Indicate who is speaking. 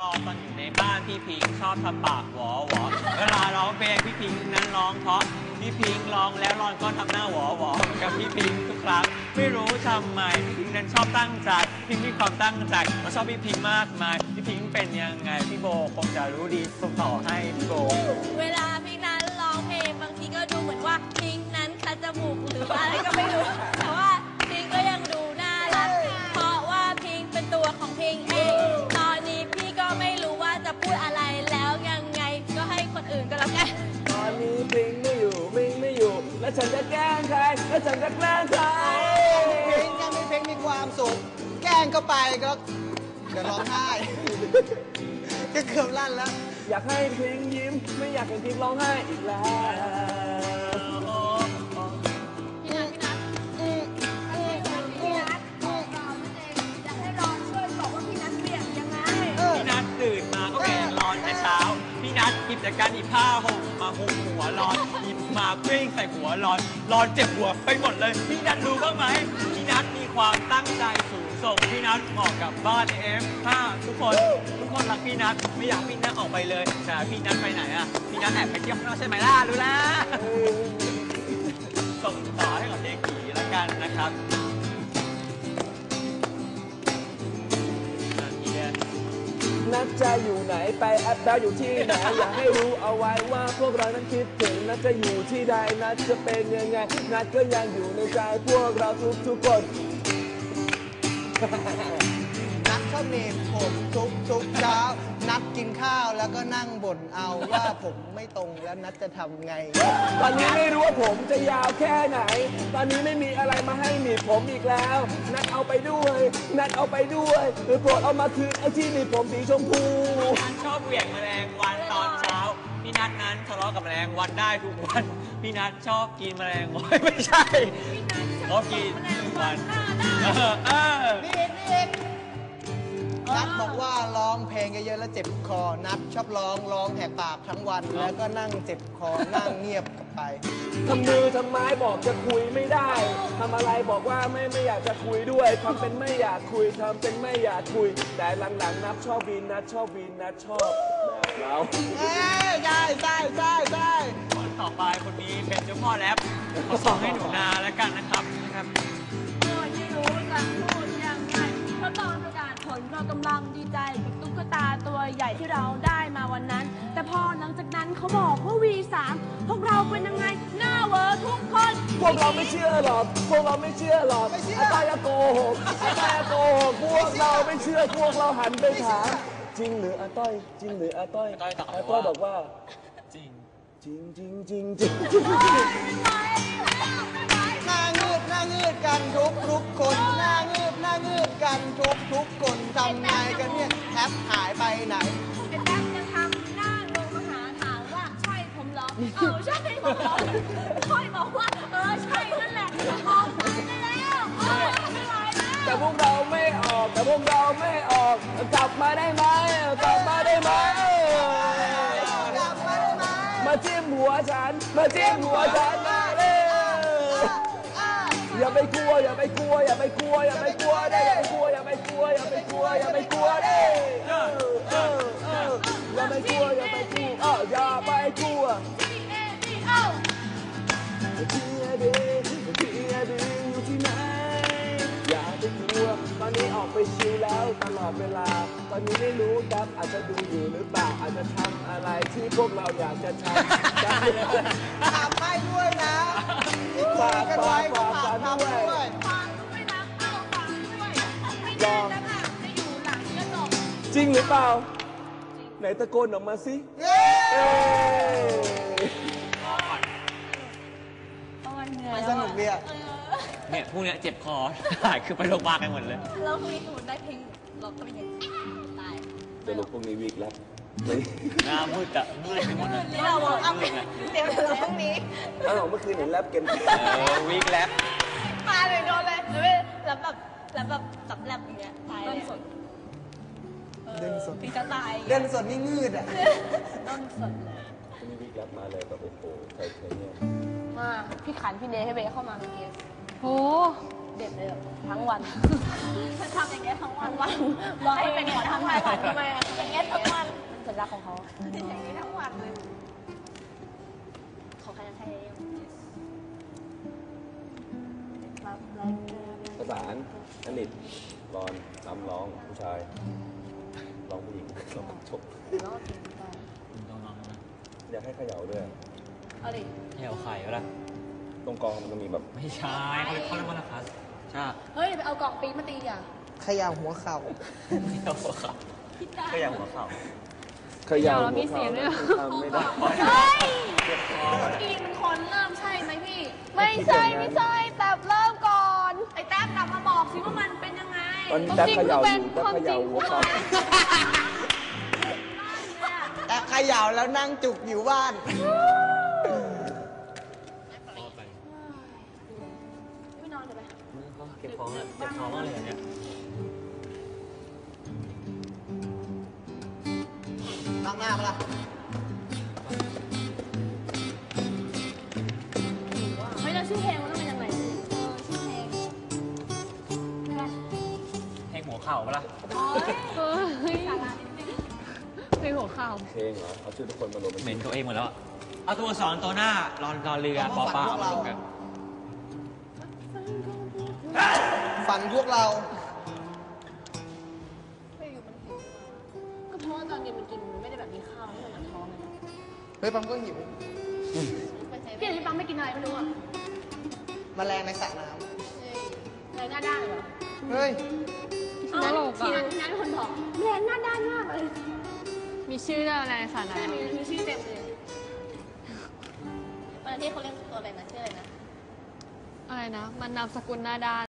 Speaker 1: ตอนอยู่ในบ้านพี่พิงชอบทำปากหวอหวอเวลาร้องเพลงพี่พิงนั้นร้องเพราะพี่พิงร้องแล้วรอนก็ทำหน้าหวอหวอกับพี่พิงทุกครั้งไม่รู้ทำไมพี่พิงนั้นชอบตั้งใจพิงมีความตั้งใจมาชอบพี่พิงมากมายพี่พิงเป็นยังไงพี่โบคงจะรู้ดีส่งต่อให้พี่โบ
Speaker 2: เวลาพิงนั้นร้องเพลงบางทีก็ดูเหมือนว่าพิงนั้นคัดจมูกหรืออะไรก็ไม่รู้แต่ว่าพิงก็ยังดูน่ารักเพราะว่าพิงเป็นตัวของพิงเองตอนนี้พี่ก็ไม่รู้ว่าจะพูดอะไรแล้วยังไงก็ให้คนอื่นก็แล้วกัน
Speaker 3: ตอนนี้พิงไม่อยู่แล้วฉันจะแกล้งใครแล้วฉันจะแกล้งใคร
Speaker 4: พิงแกมีเพลงมีความสุขแกล้งก็ไปก็เดี๋ยวร้องไห้ก็เกือบลั่นแล้ว
Speaker 3: อยากให้พิงยิ้มไม่อยากให้พิงร้องไห้อีกแล้ว
Speaker 2: พี่นัทอยากให้รอนช่วยบอกว่าพี่นัทเปียกยังไง
Speaker 1: พี่นัทตื่นมาก็แกงร้อนแต่เช้าพี่นัทหยิบจากการหยิบผ้าห่มมาห่มหัวร้อนหยิบมาเพ่งใส่หัวร้อนเจ็บหัวไปหมดเลยพี่นัทรู้บ้างไหมพี่นัทมีความตั้งใจสูงส่งพี่นัทเหมาะกับบ้านF5ทุกคนรักพี่นัทไม่อยากพี่นัทออกไปเลยแต่พี่นัทไปไหนอ่ะพี่นัทแอบไปเที่ยวข้างนอกใช่ไหมล่ะรู้ละส่งต่อให้กับเด็กผีแล้วกันนะครับ
Speaker 3: นัดจะอยู่ไหนไปแอปดาวอยู่ที่ไหนอยากให้รู้เอาไว้ว่าพวกเรานั้นคิดถึงนัดจะอยู่ที่ใดนัดจะเป็นยังไงนัดก็ยังอยู่ในใจพวกเราทุกคน
Speaker 4: นัดชอบเนมผมทุกเช้านัดกินข้าวแล้วก็นั่งบ่นเอาว่าผมไม่ตรงแล้วนัดจะทำไง
Speaker 3: ตอนนี้ไม่รู้ว่าผมจะยาวแค่ไหนตอนนี้ไม่มีอะไรมาให้หนีบผมอีกแล้วนัดเอาไปด้วยนัดเอาไปด้วยหรือโปรดเอามาคืนไอ้ที่หนีบผมสีชมพู
Speaker 1: นัดชอบเหวี่ยงแมลงวันตอนเช้าพี่นัดนั้นทะเลาะกับแมลงวันได้ทุกวันพี่นัดชอบกินแมลงวันไม่ใช่ชอบกินทุกวัน
Speaker 4: นี่นัดบอกว่าร้องเพลงเยอะๆแล้วเจ็บคอนัดชอบร้องแหกปากทั้งวันแล้วก็นั่งเจ็บคอนั่งเงียบกลับไป
Speaker 3: ทำมือทำไม้บอกจะคุยไม่ได้ทำอะไรบอกว่าไม่อยากจะคุยด้วยทำเป็นไม่อยากคุยทำเป็นไม่อยากคุยแต่หลังๆนัดชอบวีนนัดชอบแบบเรา
Speaker 4: ใช่
Speaker 1: คนต่อไปคนนี้เป็นเจ้าพ่อแรปเขาส่งให้หนูนาแล้วกันนะครับ
Speaker 2: ไม่รู้จะพูดยังไงเพราะตอนประกาศผลเรากำลังดีใจกับตุ๊กตาตัวใหญ่ที่เราได้มาวันนั้นแต่พอหลังจากนั้นเขาบอกว่า V3 พวกเราเป็นยังไงหน้าเวอร์ทุกคน
Speaker 3: พวกเราไม่เชื่อหรอกอาต้อยโกหกพวกเราไม่เชื่อพวกเราหันไปถามจริงหรืออาต้อยอาต้อยบอกว่า
Speaker 1: จริง
Speaker 4: หน้าเงืดกันทุกคนหน้าเงืดกันทุกคนทำไงกันเนี่ยแทบหายไปไหน
Speaker 2: ไอ้แทบจะทำหน้าลงมาหาถามว่าใช่ผมเหรอใช่ผมเหรอค่อยบอกว่าใช่นั่นแหละออกมาได้แล้วไม่ไหวแล้ว
Speaker 3: แต่พวกเราไม่ออกกลับมาได้ไหมมาจิ้มหัวฉันมาเลยอย่าไปกลัวได้อย่าไปกลัวอย่าไปกลัวอย่าไปกลัวได้อย่าไปกลัวอย่าไปกลัวอย่าไปกลัวอย่าไปกลัวอยู่ที่ไหนอย่าไปกลัวตอนนี้ออกไปชิลแล้วตลอดเวลาตอนนี้ไม่รู้ครับอาจจะดูอยู่หรือเปล่าอาจจะทำอะไรที่พวกเราอยากจะทำ
Speaker 4: ให้ด้วยนะฝากด้วย
Speaker 2: ฟังด้วยนะฟังด้วยไม่แน่นะคะจะอยู่หลังกระจก
Speaker 3: จริงหรือเปล่าไหนตะโกนออกมาสิ
Speaker 4: มันสนุกดีอ่ะ
Speaker 1: เนี่ยพวกเนี้ยเจ็บคอหายคือไปโรงพยาบาลกันหมดเลย
Speaker 2: แล้วพรุ่งนี้สมมติได้เพลงล็อกก็เป็นยังตาย
Speaker 3: จะลุกพรุ่งนี้วีคแล้ว
Speaker 1: หน้ามืดอะมืดไปหมดเลย
Speaker 2: เราบอกเอาไปเดี๋ยวเราพรุ่งนี้
Speaker 3: เมื่อคืนเห็นแรปเกม
Speaker 1: วีคแล้ว
Speaker 2: มาเลยโดนเลยแล้วแบบจับแรปอย่างเงี้ยตายเลย
Speaker 4: เดินสด
Speaker 2: พี่จะตาย
Speaker 4: เดินสดนี่งืดอ่ะ
Speaker 2: ต้นสดเลย
Speaker 3: มีวีคแรปมาเลยแบบโอ้โหใครเนี่ย
Speaker 2: มาพี่ขันพี่เนยให้เบย์เข้ามาเมื่อกี้โหเด็ดเลยทั้งวันทำอย่างเงี้ยทั้งวันรอให้เป็นหัวทั้งวันทำไมเป็นเงี้ยทั้งลักษณ์ของเขาอย่างนี้ทั้งวันเลยของใครจะใช้รับราย
Speaker 3: ประสานอนิตรอนรำร้องผู้ชายร้องผู้หญิงร้องจบ
Speaker 2: รอบถึงไป
Speaker 1: ต้องลองนะ
Speaker 3: อยากให้เขย่าด้วย
Speaker 2: เอาดิ
Speaker 1: ให้เอาไข่ก็ได้
Speaker 3: ตรงกองมันก็มีแบบ
Speaker 1: ไม่ใช่เขาเรียกว่าอะไรครับใช่
Speaker 2: เฮ้ยไปเอากล่องปี๊บมาตีอ่ะ
Speaker 4: ขย่าหัวเข่า
Speaker 1: ไม่เอาหัวเข่าก็อย่างหัวเข่า
Speaker 3: เขย่ามีเสียงด้วยทำไม่ได้
Speaker 2: เฮ้ยกินมันคนเริ่มใช่ไหมพี่ ไม่ใช่ไม่ใช่แต่เริ่มก่อนไอ้แต้มกลับมาบอกสิว่ามันเป็นยังไง
Speaker 3: ตอนแป๊บเขย่าอยู่แป๊บเขย่าหัวเขา
Speaker 4: แต่ขย่าแล้วนั่งจุกอยู่บ้าน
Speaker 2: ไม่นอนเดี๋ยวไป
Speaker 1: เก็บของอะเจ็บท้องมากเลยอันเนี่ย
Speaker 4: นั่งหน้ามาละ
Speaker 2: เฮ้ยแล้วชื่อเพลงมันต้องเป็นยังไงชื่อเพลงไม่ได้
Speaker 1: ให้หัวเข่าปะล่ะ
Speaker 2: สาระนิดนึง
Speaker 5: เพลงหัวข่าว
Speaker 3: เพลงเหรอ เอาชื่อทุกคนมารวมเป็น
Speaker 1: เหม็นตัวเองหมดแล้วอะเอาตัวอักษรตัวหน้ารอเรือปอปลาเอามารวมกัน
Speaker 4: ฝันพวกเรา
Speaker 2: ไม่อยู่มันหิวก็เพราะว่าตอนเย็นมันกินมันไม่ได้แบบมีข้าวไม่เหมือนท้องเลย
Speaker 4: เฮ้ยปั๊มก็หิว
Speaker 2: พี่อธิปังไม่กินอะไรไม่รู้อ่ะ
Speaker 4: แมลงในสระน้
Speaker 2: อะไรหน้าด้านเหรอ
Speaker 4: ำเฮ้ย
Speaker 5: ตลก
Speaker 2: ที
Speaker 5: อ่ะ
Speaker 2: นั้นคนบอกแรงหน้าด้านมากเลย
Speaker 5: มีชื่อด้วยอะไรสาระ
Speaker 2: ใช่มีชื่อเต็มเลยวันที่เขาเรียกตัวอะไรนะชื่ออะไรนะ
Speaker 5: อะไรนะ มันนามสกุลหน้าด้าน